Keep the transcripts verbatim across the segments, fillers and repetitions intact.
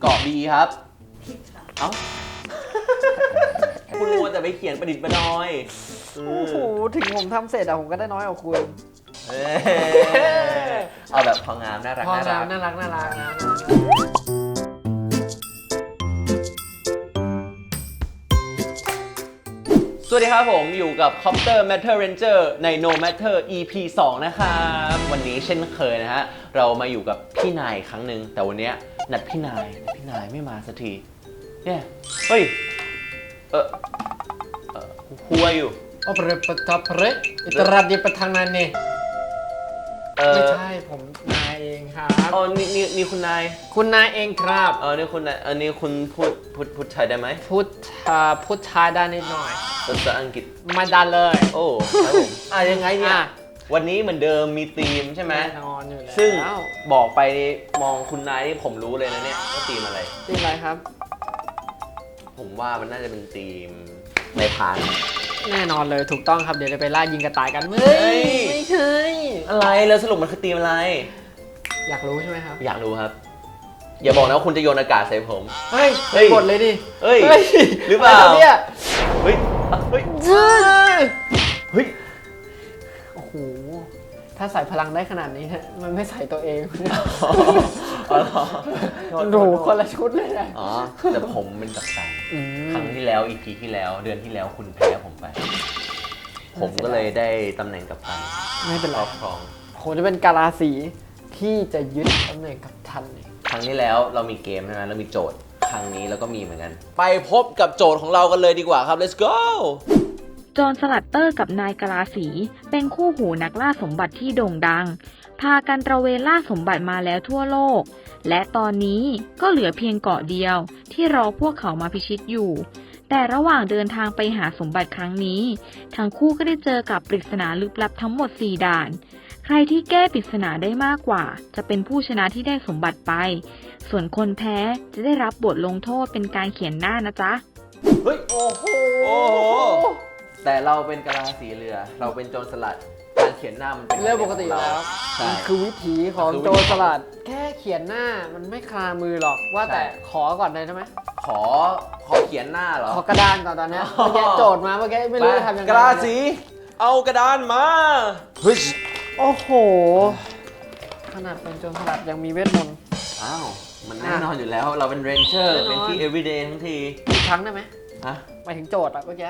เกาะ B ครับผิดค่ะเอ้า คุณมัวแต่ไปเขียนประดิษฐ์ประดอยโอ้โหถึงผมทำเสร็จอะผมก็ได้น้อยกว่าคุณเอ้ยเอาแบบพองามน่ารักพอน่าแล้รัวกน่ารักน่ารักนะสวัสดีครับผมอยู่กับ Copter Matter Ranger ใน No Matter อี พี สอง นะครับวันนี้เช่นเคยนะฮะเรามาอยู่กับพี่นายครั้งหนึ่งแต่วันนี้นัดพี่นายพี่นายไม่มาสักทีเนี่ยเฮ้ยเออเออหัวอยู่โอเปรปทับเรอิตราดิปทางนั้นนี่เออไม่ใช่ผมนายเองครับอ๋อนี่นี่นี่คุณนายคุณนายเองครับเออนี่คุณนายอันนี้คุณพูดพูดพูดไทยได้ไหมพูดอ่าพูดชายได้นิดหน่อยภาษาอังกฤษไม่ได้เลยโอ้ครับผมอ่ะยังไงเนี่ยอ่ะวันนี้เหมือนเดิมมีธีมใช่ไหมแน่นอนอยู่แล้วซึ่งบอกไปมองคุณนายนี่ผมรู้เลยนะเนี่ยว่าธีมอะไรจริงอะไรครับผมว่ามันน่าจะเป็นธีมในพรานแน่นอนเลยถูกต้องครับเดี๋ยวจะไปล่ายิงกระต่ายกันเฮ้เฮ้ยยไม่ใช่อะไรแล้วสรุปมันคือธีมอะไรอยากรู้ใช่ไหมครับอยากรู้ครับ อย่าบอกนะว่าคุณจะโยนอากาศใส่ผมเฮ้ยเฮ้ยกดเลยดิเฮ้ยเฮ้ยหรือเปล่าะไเนี่ยเฮ้ยอ่ะเฮ้ยเฮ้ยโอ้โหถ้าใส่พลังได้ขนาดนี้ฮะมันไม่ใส่ตัวเองอ๋อเหรอดูคนละชุดเลยนะอ๋อแต่ผมเป็นกัปตันอืมครั้งที่แล้ว อี พี ที่แล้วเดือนที่แล้วคุณแพ้ผมไป ผมก็เลยได้ตำแหน่งกัปตันไม่เป็นคไรรอบครองผมจะเป็นกาลาสีที่จะยึดตำแหน่งกับทันเนี่ยครั้งที่แล้วเรามีเกมใช่ไหมเรามีโจทย์ ครั้งนี้เราก็มีเหมือนกัน ไปพบกับโจทย์ของเรากันเลยดีกว่าครับ let's go โจรสลัดเตอร์กับนายกะลาสีเป็นคู่หูนักล่าสมบัติที่โด่งดัง พากันตระเวนล่าสมบัติมาแล้วทั่วโลก และตอนนี้ก็เหลือเพียงเกาะเดียวที่รอพวกเขามาพิชิตอยู่ แต่ระหว่างเดินทางไปหาสมบัติครั้งนี้ ทั้งคู่ก็ได้เจอกับปริศนาลึกลับทั้งหมดสี่ด่าน ใครที่แก้ปริศนาได้มากกว่า จะเป็นผู้ชนะที่ได้สมบัติไป ส่วนคนแพ้จะได้รับบทลงโทษเป็นการเขียนหน้านะจ๊ะเฮ้ยโอ้โหโอ้โห แต่เราเป็นกะลาสีเรือ เราเป็นโจรสลัด การเขียนหน้ามันเป็นเรื่องปกติอยู่แล้วใช่มันคือวิถีของมันคือวิถีโจรสลัด แค่เขียนหน้ามันไม่คลามือหรอกว่าแต่ใช่ขอก่อนเลยใช่ไหมขอ ขอเขียนหน้าเหรอขอกระดานก่อนตอนเนี้ยอ๋อเมื่อกี้โจทย์มาเมื่อกี้ไม่รู้จะทำยังไงกะลาสี เอากระดานมาเฮ้ยโอ้โห ขนาดเป็นโจรสลัดยังมีเวทมนต์อ้าว มันแน่นอนอยู่แล้ว เราเป็นเรนเจอร์แน่นอนเป็นที่ everyday ทั้งทีอีกครั้งได้ไหมฮะหมายถึงโจทย์อะเมื่อกี้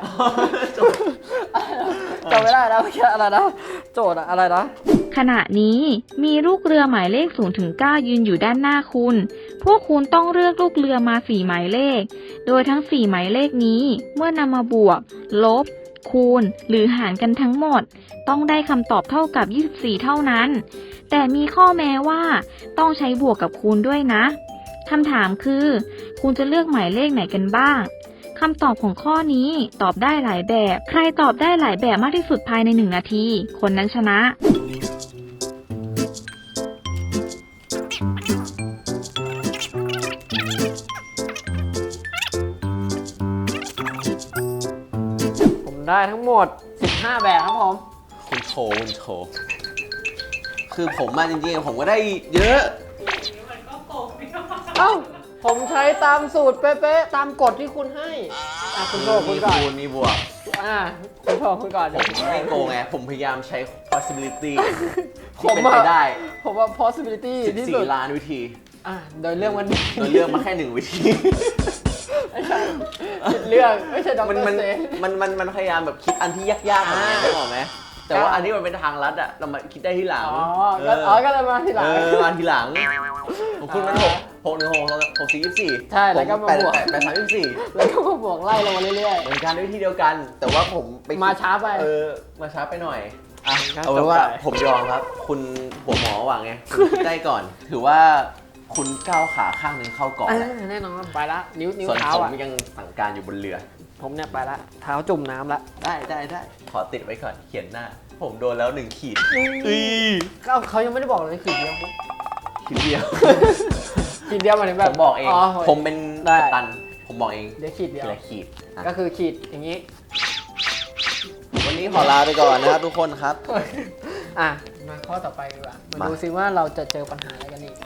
จำไม่ได้แล้วเมื่อกี้อะไรนะโจทย์อะอะไรนะขณะนี้มีลูกเรือหมายเลขศูนย์ถึงเก้ายืนอยู่ด้านหน้าคุณ พวกคุณต้องเลือกลูกเรือมาสี่หมายเลข โดยทั้งสี่หมายเลขนี้เมื่อนำมาบวก ลบ คูณ หรือหารกันทั้งหมด ต้องได้คำตอบเท่ากับยี่สิบสี่เท่านั้น แต่มีข้อแม้ว่าต้องใช้บวกกับคูณด้วยนะคำถามคือ คุณจะเลือกหมายเลขไหนกันบ้างคำตอบของข้อนี้ตอบได้หลายแบบ ใครตอบได้หลายแบบมากที่สุดภายในหนึ่งนาที คนนั้นชนะผมได้ทั้งหมดสิบห้าแบบครับผมคุณโชว์คุณโชว์ คือผมมาจริงๆ ผมก็ได้เยอะเอ้า ผมใช้ตามสูตรเป๊ะๆ ตามกฎที่คุณให้ อ่ะคุณโชว์คุณมีก่อนคูณมีบวกอ่ะคุณโชว์คุณก่อนผมไม่โกงไง ผมพยายามใช้ possibility ผที่มเป็นอะไปได้ผมว่า possibility ที่สุดสิบสี่ ล้านวิธีอ่ะโดยเรื่องมันโดยเลือกมาแค่หนึ่งวิธีไม่ใช่ผิดเรื่องไม่ใช่ดอกมันเตอมันรเซนมันมันมันพยายามแบบคิดอันที่ยากๆแบบนี้อ่าได้หรอกไหม แต่ว่าอันที่มันเป็นทางลัดอะเรามาคิดได้ที่หลังอ๋อก็อ๋อก็เลยมาทีหลังเออมาทีหลังผมคุณมันหกหกหนึ่งหกหกสี่ยี่สี่ใช่แล้วก็มาแปดบวกแปดแปดสามยี่สี่แล้วก็มาบวกไล่ลงมาเรื่อยเหมือนกันวิธีเดียวกัน แต่ว่าผมไปคิดมาช้าไปเออมาช้าไปหน่อยอ่ะครับเอาเป็นว่าจบไปผมยอมครับ คุณหัวหมอหวังไงคุณคิดได้ก่อน ถือว่าคุณก้าวขาข้างหนึ่งเข้าก่อนๆอ่าแล้วแน่นอนไปละนิ้วนิ้วส่วนเท้าผมอ่ะยังสั่งการอยู่บนเรือผมเนี่ยไปละเท้าจุ่มน้ำละได้ได้ได้ขอติดไว้ก่อนเขียนหน้า ผมโดนแล้วหนึ่งขีดอืม เขาเขายังไม่ได้บอกเลยขีดเดียวขีดเดียวขีดเดียวหมายถึงผแบบมบอกเอง ผมเป็นได้กัปตัน ผมบอกเองเดี๋ยวขีดเดียวทีละขีดอ่ะก็คือขีดอย่างนี้วันนี้ขอลาไปก่อนนะครับทุกคนครับอ่ะมาข้อต่อไปดีกว่ามามาดูซิว่าเราจะเจอปัญหาอะไรกันอีกพ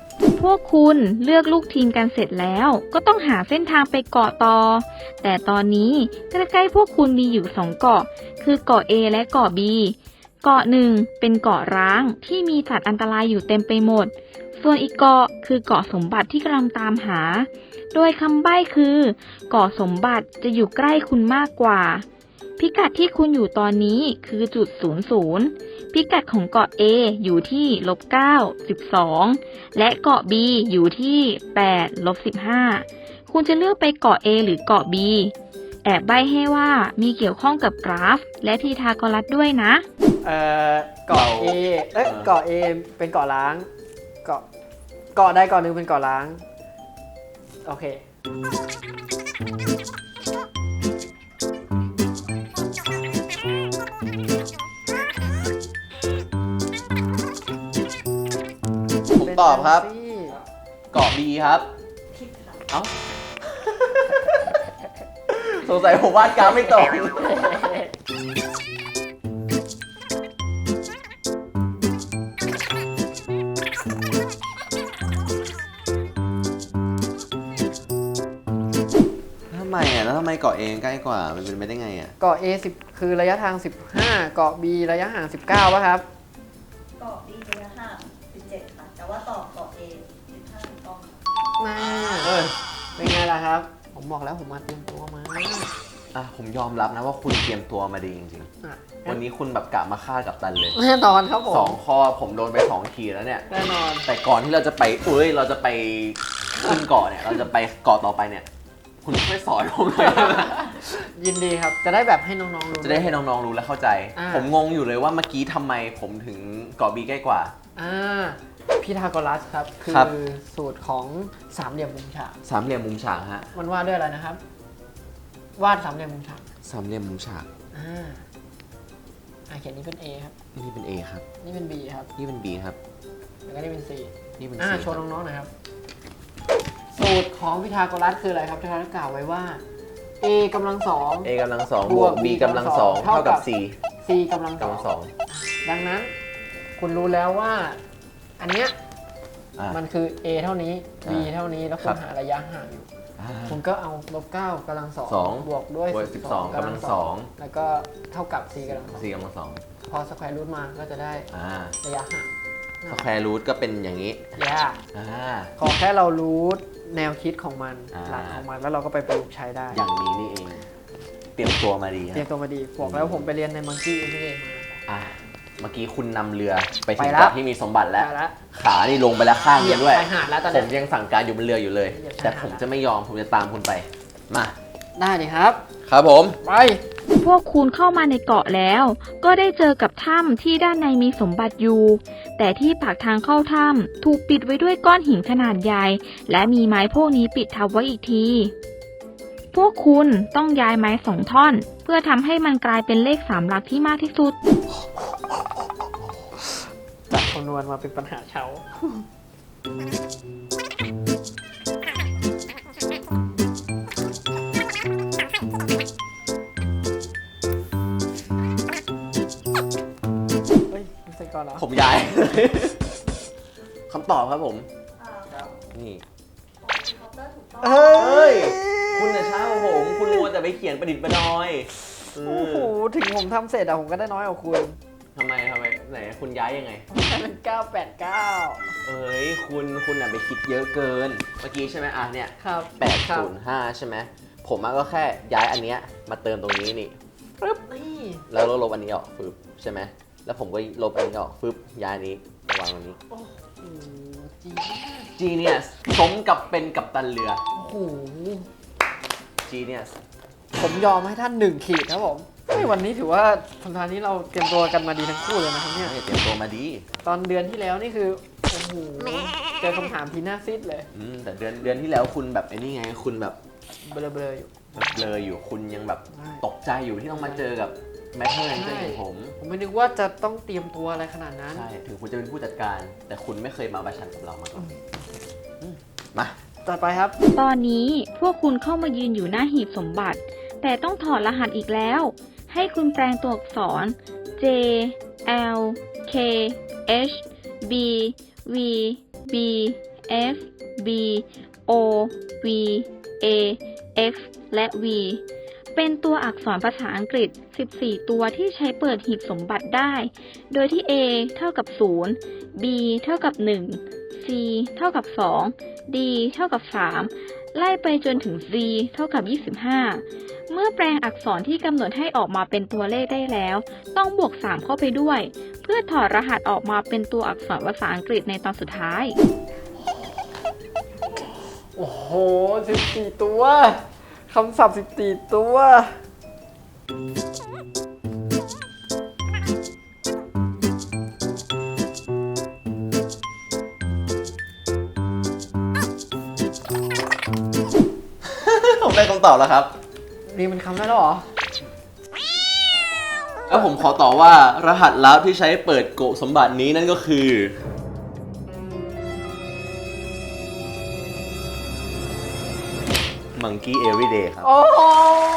วกคุณเลือกลูกทีมกันเสร็จแล้วก็ต้องหาเส้นทางไปเกาะต่อ แต่ตอนนี้ใกล้ๆพวกคุณมีอยู่สองเกาะ คือเกาะ A และเกาะ B เกาะหนึ่งเป็นเกาะร้างที่มีสัตว์อันตรายอยู่เต็มไปหมด ส่วนอีกเกาะคือเกาะสมบัติที่กำลังตามหา โดยคำใบ้คือเกาะสมบัติจะอยู่ใกล้คุณมากกว่า พิกัดที่คุณอยู่ตอนนี้คือจุดศูนย์ศูนย์พิกัดของเกาะ A อยู่ที่ลบเก้า สิบสอง และเกาะ B อยู่ที่แปด ลบสิบห้า คุณจะเลือกไปเกาะ A หรือเกาะ B แอบใบ้ให้ว่ามีเกี่ยวข้องกับกราฟ และพีทาโกรัสด้วยนะเอ่อเกาะ A เอ้ยเกาะ A เป็นเกาะล้าง เกาะเกาะใดเกาะหนึ่งเป็นเกาะล้าง โอเคผมตอบครับเป็นแท็กซี่เกาะ B ครับ เอ้า สงสัยผมวาดกราฟไม่ตรง ทำไมอ่ะ แล้วทำไมเกาะเองใกล้กว่า มันเป็นไปได้ไงอ่ะเกาะ A สิบคือระยะทาง สิบห้า เกาะ B ระยะห่าง สิบเก้าป่ะครับเกาะ B ระยะห่างสิบเจ็ดค่ะ แต่ว่าต่อเกาะ A สิบห้าถูกต้องค่ะมาเอ้ยเป็นไงล่ะครับ ผมบอกแล้วผมมาเตรียมตัวมาอ่ะ ผมยอมรับนะว่าคุณเตรียมตัวมาดีจริงอ่ะๆ วันนี้คุณแบบกะมาฆ่ากับตันเลยแน่นอนครับผมสองข้อผมโดนไปสองทีแล้วเนี่ยแน่นอนแต่ก่อนที่เราจะไปเอ้ย เราจะไปขึ้นเกาะเนี่ย เราจะไปเกาะต่อไปเนี่ย คุณช่วยสอนผมหน่อยได้ไหมยินดีครับ จะได้แบบให้น้องๆรู้จะได้ให้น้องๆรู้และเข้าใจอ่าผมงงอยู่เลยว่าเมื่อกี้ทำไมผมถึงเกาะบีใกล้กว่าอ่าพีทาโกรัสครับ คืครับอสูตรของสามเหลี่ยมมุมฉากสามเหลี่ยมมุมฉากฮะมันวาดด้วยอะไรนะครับ วาดสามเหลี่ยมมุมฉากสามเหลี่ยมมุมฉากอ่าอ่าเขียนนี้เป็น A ครับนี่เป็น A ครับนี่เป็น B ครับนี่เป็น B ครับแล้วก็นี่เป็น C นี่เป็นอ่า C โชว์น้องๆหน่อยครับ สูตรของพีทาโกรัสคืออะไรครับที่เขาได้กล่าวไว้ว่า A กำลังสอง A กำลังสองบบ ววกก B B กำลังสองเท่าเท่ากักับ บ C C กำลังกำลังสสออง งดังนั้น คุณรู้แล้วว่า อันเนี้ยอ่ะมันคือ A เท่านี้ B อ่าเท่านี้ แล้วคุครัณบหาระยะห่างอยู่อ่าคุณก็เอาลบเก้ากำลังสองสองบวกด้วยบวกสิบสองกำลังสองแล้วก็เท่ากับ C กำลังสอง C กำลังสองพอสแควร์รูทมาก็จะได้อ่าระยะห่างสแควร์รูทก็เป็นอย่างนี้แย่อ่าขอแค่เรารู้แนวคิดของมันอ่าหลักของมันแล้วเราก็ไปประยุกต์ใช้ได้อย่างนี้นี่เอง เตรียมตัวมาดีเตรียมฮะตัวมาดีบอกแล้วผมไปเรียนในมังกี้เอ็มพีเอมาอ่ะเมื่อกี้คุณนำเรือไปถึไปงแล้วเกาะที่มีสมบัติแล้วได้แล้วขานี่ลงไปแล้วข้างเหยีนึยบงด้วยชายหาดแล้วตอนผนี้มยังสั่งการอยู่บนเรืออยู่เลยเหยียบชายหาดแต่ผมจะไม่ยอม ผมจะตามคุณไป มาได้ดิครับครับผมไปพวกคุณเข้ามาในเกาะแล้ว ก็ได้เจอกับถ้ำที่ด้านในมีสมบัติอยู่ แต่ที่ปากทางเข้าถ้ำถูกปิดไว้ด้วยก้อนหินขนาดใหญ่ และมีไม้พวกนี้ปิดทับไว้อีกที พวกคุณต้องย้ายไม้สองท่อน เพื่อทำให้มันกลายเป็นเลขสามหลักที่มากที่สุดจากคำนวณมาเป็นปัญหาเช้า เฮ้ยไม่ใช่ก่อนเหรอผมย้าย คำตอบครับผมอ่าของนี่คอปเตอร์ถูกต้องเฮ้เฮ้ยย คุณน่ะช้ากว่าผม คุณมัวแต่ไปเขียนประดิษฐ์ประดอยเอโอ้อโห ถึงผมทำเสร็จอะผมก็ได้น้อยกว่าคุณทำไมทำไมไหนคุณย้ายยังไงให้เป็นเก้าแปดเก้าเอ้ย คุณคุณน่ะไปคิดเยอะเกิน เมื่อกี้ใช่ไหมอ่ะเนี่ยครับแปดศูนย์ห้าใช่ไหม ผมอะก็แค่ย้ายอันเนี้ยมาเติมตรงนี้นี่ปึ๊บนี่แล้วลบอันนี้ออกฟึบใช่ไหม แล้วผมก็ลบอันนี้ออกฟึบย้ายอันนี้มาวางตรงนี้โอ้โหจริง Genius สมกับเป็นกัปตันเรือโอ้โห Genius ผมยอมให้ท่านหนึ่งขีดครับผมเฮ้ยวันนี้ถือว่าสัปดาห์นี้เราเตรียมตัวกันมาดีทั้งคู่เลยนะครับเนี่ยเตรียมตัวมาดีตอนเดือนที่แล้วนี่คือ โอ้โห เจอคำถามทีหน้าซิดเลยอืมแต่เดือนเดือนที่แล้วคุณแบบไอ้นี่ไง คุณแบบเบลอๆอยู่แบบเบลออยู่คุณยังแบบใช่ตกใจอยู่ที่ต้องมาเจอกับแมทเทอร์เรนเจอร์ของผมผมไม่นึกว่าจะต้องเตรียมตัวอะไรขนาดนั้นใช่ ถึงคุณจะเป็นผู้จัดการ แต่คุณไม่เคยมาประชันกับเรามาก่อนอืมมาต่อไปครับตอนนี้พวกคุณเข้ามายืนอยู่หน้าหีบสมบัติ แต่ต้องถอดรหัสอีกแล้ว ให้คุณแปลงตัวอักษร J L K H B V B S B O V A X และ V เป็นตัวอักษรภาษาอังกฤษ สิบสี่ ตัวที่ใช้เปิดหีบสมบัติได้ โดยที่ A เท่ากับ ศูนย์ B เท่ากับ หนึ่ง C เท่ากับ สอง D เท่ากับ สาม ไล่ไปจนถึง Z เท่ากับ ยี่สิบห้า เมื่อแปลงอักษรที่กำหนดให้ออกมาเป็นตัวเลขได้แล้ว ต้องบวก สาม เข้าไปด้วย เพื่อถอดรหัสออกมาเป็นตัวอักษรภาษาอังกฤษในตอนสุดท้ายโอ้โหสิบสี่ตัวคำศัพท์สิบสี่ตัวผมได้คำตอบแล้วครับนี่มันคำได้แล้วเหรอแล้วผมขอต่อว่ารหัสลับที่ใช้เปิดโกะสมบัตินี้นั่นก็คือ Monkey Everyday ครับโอ้โห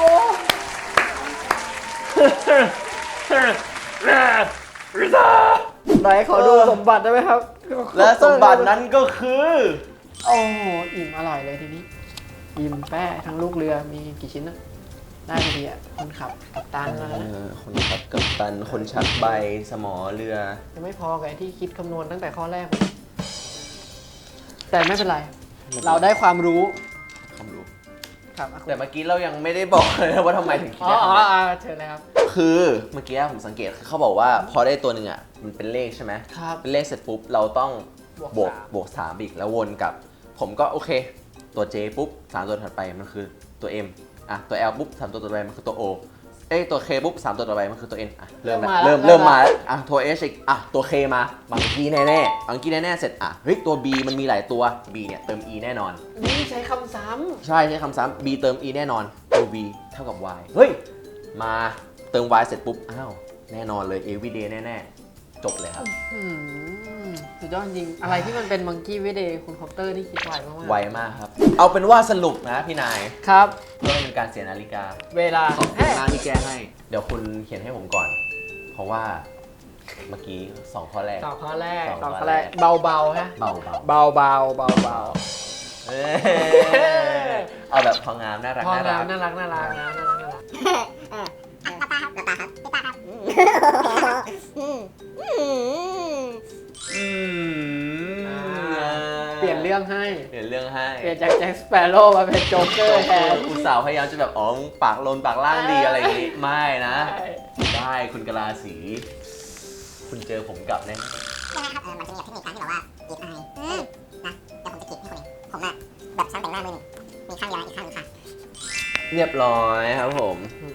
ไหนขอดูสมบัติได้ไหมครับและสมบัตินั้นก็คือโอ้โหอิ่มอร่อยเลยทีนี้ อิ่มแป้ทั้งลูกเรือมีกี่ชิ้นนะได้พอดีอ่ะคนขับกัปตันแล้วนะเออคนขับกัปตัน คนชักใบ สมอเรือยังไม่พอกับไอ้ที่คิดคำนวณตั้งแต่ข้อแรกเลยแต่ไม่เป็นไร เราได้ความรู้ความรู้ครับแต่เมื่อกี้เรายังไม่ได้บอกเลยนะว่าทำไมถึงคิดอ๋อได้อ๋อขนาดนั้นอ๋อเชิญเลยครับคือเมื่อกี้ผมสังเกตเขาบอกว่าพอได้ตัวหนึ่งอ่ะมันเป็นเลขใช่ไหมครับเป็นเลขเสร็จปุ๊บเราต้องบวกบวกสามบวกสามอีกแล้ววนกลับ ผมก็โอเค ตัว J ปุ๊บสามตัวถัดไปมันคือตัว M อ่ะตัว L ปุ๊บสามตัวต่อไปมันคือตัว O เอ้ยตัว K ปุ๊บสามตัวต่อไปมันคือตัว N อ่ะเริ่มแล้วเริ่มเริ่มมาแล้วอ่ะตัว H อีกอ่ะตัว K มาบางกีแน่แน่บางกีแน่แน่เสร็จอ่ะเฮ้ยตัว B มันมีหลายตัว B เนี่ยเติม E แน่นอนนี่ใช้คำซ้ใช่ใช้คำซ้ำ B เติม E แน่นอนตัว V เท่ากับ Y เฮ้ยมาเติม Y เสร็จปุ๊บอ้าวแน่นอนเลย everyday แน่ๆจบเลยครับำอืมสุดยอดจริง อะไรที่มันเป็นมังกี้วิเดย์คุณคอปเตอร์นี่คิดไวมากๆไวมากครับ เอาเป็นว่าสรุปนะพี่นายครับเพื่อไม่เป็นการเสียนาฬิกาเวลาขอบคุณมากที่แก้ให้ เดี๋ยวคุณเขียนให้ผมก่อน เพราะว่าเมื่อกี้สองข้อแรกต่อข้อแรกต่อข้ต่ออแรกข้อแรกเบาๆฮะเบาเบาเบาเบาเบาเบาเอ้ยเอาแบบพองามน่ารักพอน่าแล้รัวกน่ารักน่ารักนะน่ารักน่ารักอืมเปลี่ยนเรื่องให้เปลี่ยนเรื่องให้เปลี่ยนจากแจ็คสเปโร่มาเป็นโจ๊กเกอร์แทนอุตส่าห์พยายามจะแบบอ๋อปากลนปากล่างดีอะไรอย่างงี้ไม่นะใช่ได้คุณกะลาสี คุณเจอผมกลับแน่ใช่ไหมครับเออมันจะมีแบบเทคนิคการที่แบบว่าอีกอายอืมนะเดี๋ยวผมจะกรีดให้คุณเองผมอะแบบช่างแต่งหน้ามือหนึ่งมีข้างเดียวนะอีกข้างหนึงค่ะเรียบร้อยครับผม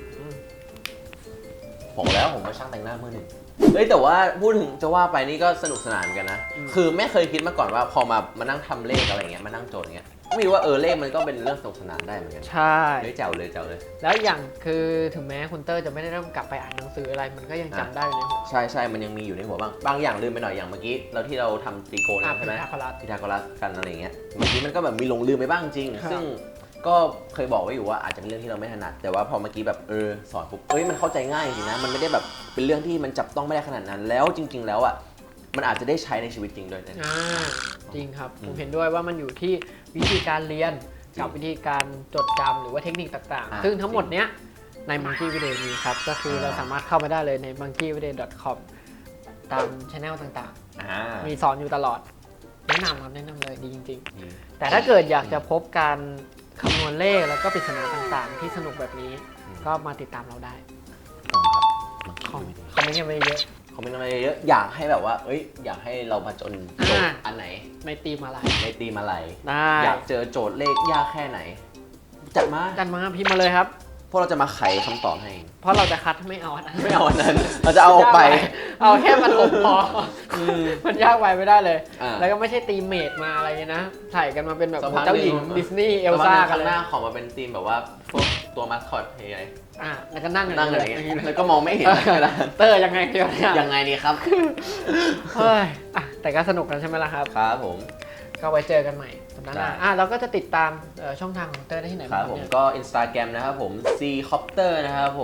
ผมแล้วผมมาช่างแต่งหน้ามือหนึ่งเอ้ยแต่ว่าพูดถึงจะว่าไปนี่ก็สนุกสนานเหมือนกันนะ คือไม่เคยคิดมาก่อนว่าพอมามานั่งทำเลขอะไรเงี้ยมานั่งโจทย์เงี้ยไม่รู้ว่าเออเลขมันก็เป็นเรื่องสนุกสนานได้เหมือนกันใช่เลยเจ๋วเลยเจ๋วเลยแล้วอย่างคือถึงแม้คุณเตอร์จะไม่ได้เริ่มกลับไปอ่านหนังสืออะไร มันก็ยังจำได้อยู่ในหัวใช่ใช่มันยังมีอยู่ในหัวบ้างบางอย่างลืมไปหน่อยอย่างเมื่อกี้เราที่เราทำตรีโกณอ่ะใช่ไหมพีทาโกรัสพีทาโกรัสกันอะไรเงี้ยเมื่อกี้มันก็แบบมีหลงลืมไปบ้างจริงครับซึ่งก็เคยบอกไว้อยู่ว่าอาจจะเป็นเรื่องที่เราไม่ถนัดแต่ว่าพอเมื่อกี้แบบเออสอนปุ๊บเอ้ยมันเข้าใจง่ายจริงนะมันไม่ได้แบบเป็นเรื่องที่มันจับต้องไม่ได้ขนาดนั้น แล้วจริง ๆ แล้วอ่ะมันอาจจะได้ใช้ในชีวิตจริงด้วยนะอ่าจริงครับอืผม มเห็นด้วยว่ามันอยู่ที่วิธีการเรียนกับวิธีการจดจำหรือว่าเทคนิคต่างอ่าๆ ซึ่งทั้งหมดเนี้ยใน Monkey Video มีครับ ก็คือเราอ่าสามารถเข้าไปได้เลยใน monkey video dot com ตามช anel ต่างอ่าๆ มีสอนอยู่ตลอด แนะนำครับแนะนำเลยดีจริงดีๆ แต่ถ้าเกิดอยากจะพบการคำนวณเลขแล้วก็ปริศนาต่างๆ ที่สนุกแบบนี้ ก็มาติดตามเราได้ต้องครับคอมคอมเมนต์กันไปเยอะคอมเมนต์มาเยอะๆอยากให้แบบว่าเอ้ยอยากให้เรามาจนโจทอ่าย์อันไหนในตีมอะไรในตีมอะไรได้อยากเจอโจทย์เลขยากแค่ไหน จัดมากันมาพิมพ์มาเลยครับพวกเราจะมาไขคำตอบให้เพราะเราจะคัดไม่เอาอันนั้นไม่เอาอันนั้น เราจะเอาออกไปเอาแค่มันอมพออมมันยากไปไม่ได้เลยอ่าแล้วก็ไม่ใช่ตีมเมดมาอะไรเงี้ยนะใส่กันมาเป็นแบบสักพักเจ้าหญิงหนึ่งดิสนีย์เอลซ่ากันข้างเลยหน้าขอมาเป็นธีมแบบว่าพวกตัวมาสคอตเฮ้ยอ่ะแล้วก็นั่งนั่งอะไรออย่างย่างเงี้เงี้ยยแล้วก็มองไม่เห็นเวลาเตอร์ยังไงเดียวเนี่ยยังไงดีครับเฮ้ยอ่ะแต่ก็สนุกกันใช่ไหมล่ะครับครับผมก็ไว้เจอกันใหม่สัปดาห์หน้าได้อ่ะเราก็จะติดตามเอ่อช่องทางของเตอร์ได้ที่ไหนครับบ้างผมเนี่ยก็ Instagram นะครับผม C Copter นะครับผม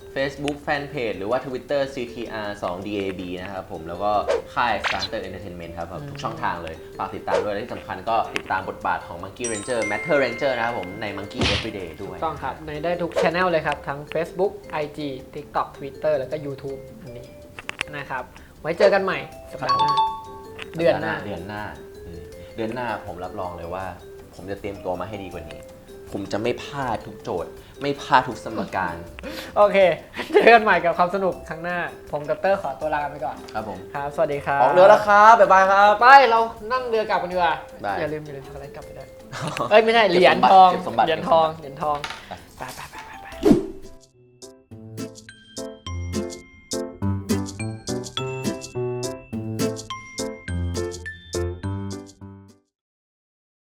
Facebook Fanpage หรือว่า Twitter ซี ที อาร์ ทู ดี เอ บี นะครับผมแล้วก็ค่าย Starter Entertainment ครับทุกช่องทางเลยฝากติดตามด้วยและที่สำคัญก็ติดตามบทบาทของ Monkey Ranger Matter Ranger นะครับผมใน Monkey Everyday ด้วยต้องครับ ในได้ทุกช anel เลยครับ ทั้ง Facebook ไอ จี TikTok Twitter แล้วก็ YouTube อันนี้นะครับ ไว้เจอกันใหม่สัปดาห์หน้า เดือนหน้าเดือนหน้าอืมเดือนหน้าผมรับรองเลยว่า ผมจะเตรียมตัวมาให้ดีกว่านี้ ผมจะไม่พลาดทุกโจทย์ ไม่พลาดทุกสมการโอเค เจอกันใหม่กับความสนุกครั้งหน้า ผมกับเตอร์ขอตัวลาไปก่อนครับผมครับ สวัสดีครับออกเรือแล้วครับ บ๊ายบายครับไป เรานั่งเรือกลับกันดีกว่าได้อย่าลืมอย่าลืมช็อกโกแลตกลับไปด้วย เอ้ย ไม่ใช่ เหรียญทองเก็บสมบัติเหรียญทอง เหรียญทองไป